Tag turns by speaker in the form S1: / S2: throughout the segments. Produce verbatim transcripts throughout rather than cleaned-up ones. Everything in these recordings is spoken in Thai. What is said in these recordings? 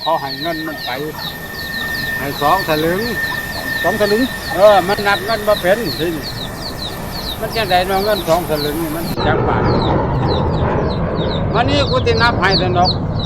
S1: เขาให้เงินมันไปให้สองสลึง
S2: สองสลึง
S1: เออมันนับเงินมาเป็นสิมันจะได้เงินสองสลึงนี่มันจักบาทวันนี้กูจะนับให้แต่นก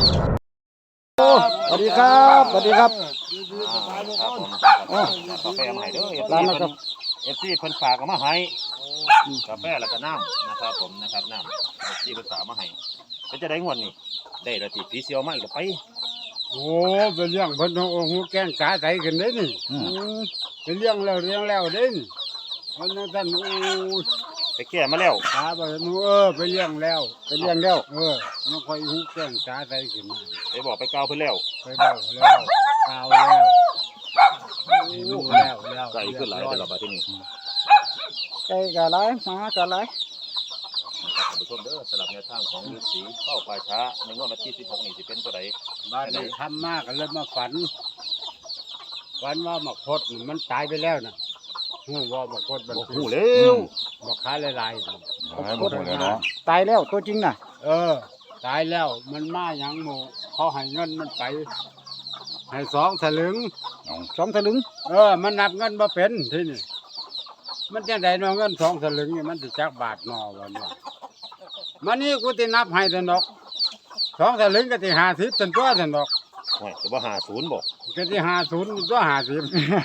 S2: สวัสดีครับสวัสดีครับ
S3: ครับผมกาแฟมาให้เด้อเอฟ
S2: ร้า
S3: ซี
S2: นนะครับ
S3: เอฟซีเพิ่นฝากมาให้กาแฟแล้วก็น้ำนะครับผมนะครับน้ำเอฟซีเพิ่นฝากมาให้เป็นจะได้งวดนี่ได้ละติผีเสียวมาอีกแล้วไป
S1: โอ้เป็นเรื่องเพิ่นโอ้โหแกงกาใส่กันเด้นี่เป็นเรื่องแล้วเรื่องแล้วเด้นี่มันนั่นท่านโอ้
S3: ไปแก้มาแล้ว
S1: กาไปมูเออไปเลี้ยงแล้วไปเลี้ยงแล้วเออมันค่อยหูแกงกาใส่ขึ้นมา
S3: ไปบอกไปกล่าวเพิ่นแล้ว
S1: ไปเบาแล้วกาวแล้วรู้แล้วแล้ว
S3: ไก่ขึ้นหลายแต่ละบาทที่นี่
S2: ไก่กะไรหมากะไร
S3: ท่านผู้ชมเด้อสำหรับแนวทางของฤาษีเข้าป่าช้าในงวดวันที่สิบหกนี่สิเป็นตัวใด
S1: บ้านนี้ทำมากกันเลยมาฝันฝันว่าหมกพดมันตายไปแล้วนะหูว่าหมกพดมัน
S3: โอ้โหเร็ว
S1: หมกขาลายๆนะ
S2: ตายแล้วตัวจริงน่ะ
S1: เออ ตายแล้วมันมาอย่างหมูเขาให้เงินมันไปให้สองสลึง
S2: สองสลึง
S1: เออมันนับเงินมาเป็นที่นี่มันจะได้เงินสองสลึงนี่มันจะจักบาทนอวันว่ามันนี่กูจะนับให้แต่นกสองสลึงก็จะหาสิบจนตัวแต่นก
S3: โอ้ยจะว่าหาศูนย์บอก
S1: ก็จะหาศูนย์ตัวหาสิบ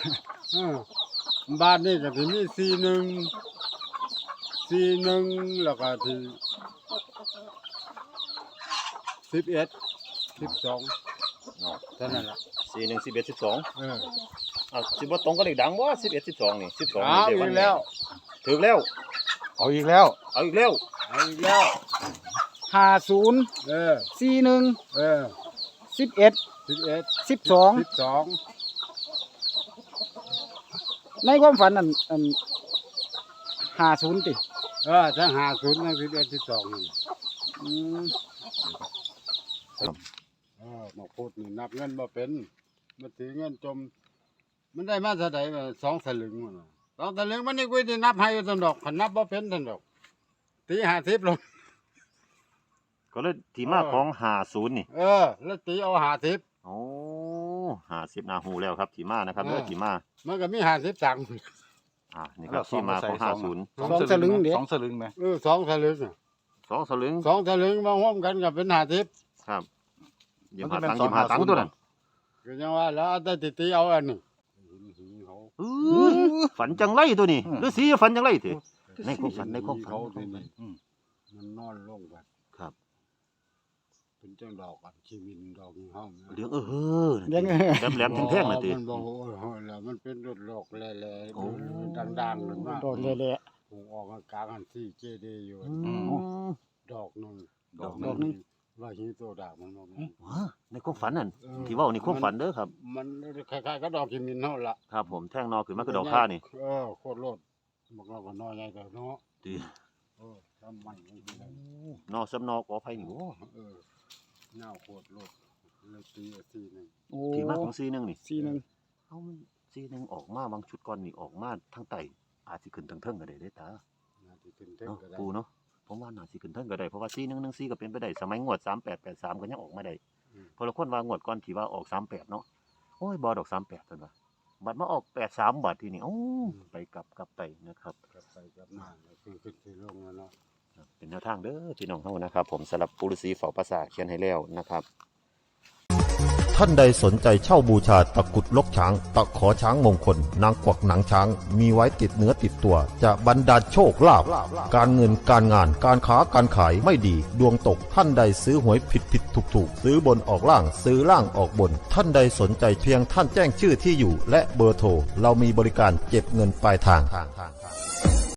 S1: บ้านนี่ก็จะมีสี่หนึ่งสี่หนึ่งแล้วก็ที่สิบเอ็ดสิบสองเท่านั้นแหละ
S3: สี่หนึ่งสิบเอ็ดสิบสอง
S1: เออ
S3: อ่ะสิบว่าตรงก็เลขดังว่าสิบเอ็ดสิบสองนี่สิบสอง
S1: เอาอีกแล้ว
S3: ถึงแล้ว
S2: เอาอีกแล้ว
S3: เอาอีกแล้ว
S1: เอาอีกแล้ว
S2: ห้าศูนย์
S1: เออ
S2: สี่หนึ่ง
S1: เออ
S2: สิบเอ็ด
S1: สิบเอ็ด
S2: สิบสอง
S1: สิบสอง
S2: ในความฝันนั่นอันห้าศูนย์ติ
S1: เออทั้งหาศูนย์ทั้งสิบเอ็ดสิบสองนี่
S2: อืม
S1: เออมาพูดนี่นับเงินมาเป็นมันถือเงินจม มันได้มาเท่าไหร่สองสลึงมันสองสลึงมันนี่กูจะนับให้ตันดอกขันนับบ่เป็นตันดอกตีห้าสิบลง
S3: ก็เลยทีมาของหาศูนย์นี่
S1: เออ แล้วตีเอาห้าสิบ
S3: โอ้หาสิบนาหูแล้วครับทีมานะครับเด้อทีมา
S1: มันก็มีห้าสิบตังค์
S3: อ่านี่ครับที่มาของห้าศูนย์
S2: สองสลึงเดี๋ยว
S4: สองสลึงไหม
S1: เออสองสลึงน่ะ
S3: สองสลึง
S1: สองสลึงมาร่วมกันกับเป็นห้าสิบ
S3: ครับยิมหาตังค์ยิมหาตังค์ตัวนั้น
S1: ก็ยังว่าแล้วเอาแต่ตีตีเอาอันนี้หินเขา
S3: อื้อฝันจังไรตัวนี้ฤาษีฝันจังไรเถอะในความฝันในความฝัน
S1: เขาทีนี้มันนอนลงกัน
S3: ครับ
S1: เป็นจังดอกอันชีวินดอกห้อง
S3: เลี้ยงเออเฮ้อ
S2: เลี้ยง
S3: แหลมแหลมแท่งๆน่ะติ
S1: มันบอกโอ้ยแล้วมันเป็นรถโลกแล่ๆ
S3: โอ้
S1: ดังๆเลยมาก
S2: โดนเละ
S1: หูออกกลางอันที่เจดีย์อยู่
S3: อืม
S1: ดอกหนึง
S3: ดอกหนึ่ง
S1: ว่าหินโตดากมันบอก
S3: ว้าในความฝันนั่นที่เว่านี่ความฝันเด้อครับ
S1: มันคล้ายๆกับดอกชีวินเท่าละ
S3: ครับผมแท่งนอขึ้นมาคือดอกข้านี่
S1: เออโคตรโลดบอกเราก็น้อยใหญ่แต่เนาะ
S3: ดี
S1: เออทำไมไม่ได้
S3: นอสำนอกอภัยนี่โอ้
S1: เออเน่าโคตรโลดเลยตีเอาทีหนึง
S2: โอ้
S3: ที่มาของซีหนึงนี่
S2: สี่หนึ่ง
S3: เอามันซีหนึงออกมาบางชุดก่อนนี่ออกมาทางใต้อาจสิขึ้นทางเทิงก็ได้เด้อตา
S1: น่าจะขึ้นเท่ง
S3: เนาะ
S1: ก็ได้
S3: ปูเนาะผมว่าน่าสิขึ้นเทิงก็ได้เพราะว่าซีหนึงหนึงซีก็เป็นไปได้สมัยงวดสามแปดแปดสามก็ยังออกมาได้เพราะละคนว่างวดก่อนที่ว่าออกสามแปดเนาะโอ้ยบ่ดอกสามแปดเพิ่นว่าบัดมาออกแปดสามบาททีนี่โอ้ไปกลับกลับไปนะครับ
S1: กลับไปกลับมาแล้วขึ้นขึ้นขึ้นลงแล้วเนาะ
S3: เป็นแนวทางเด้อพี่น้องเฮานะครับผมสำหรับปุรุษีเฝ้าปราสาทเขียนให้แล้วนะครับ
S5: ท่านใดสนใจเช่าบูชาตะกรุดลกช้าง ตะขอช้างมงคล นางกวักหนังช้าง มีไว้ติดเนื้อติดตัว จะบรรดาลโชคลาภการเงินการงานการค้าการขายไม่ดี ดวงตกท่านใดซื้อหวยผิดผิดถูกถูกซื้อบนออกล่างซื้อล่างออกบน ท่านใดสนใจเพียงท่านแจ้งชื่อที่อยู่ และเบอร์โทรเรามีบริการเก็บเงินปลายทาง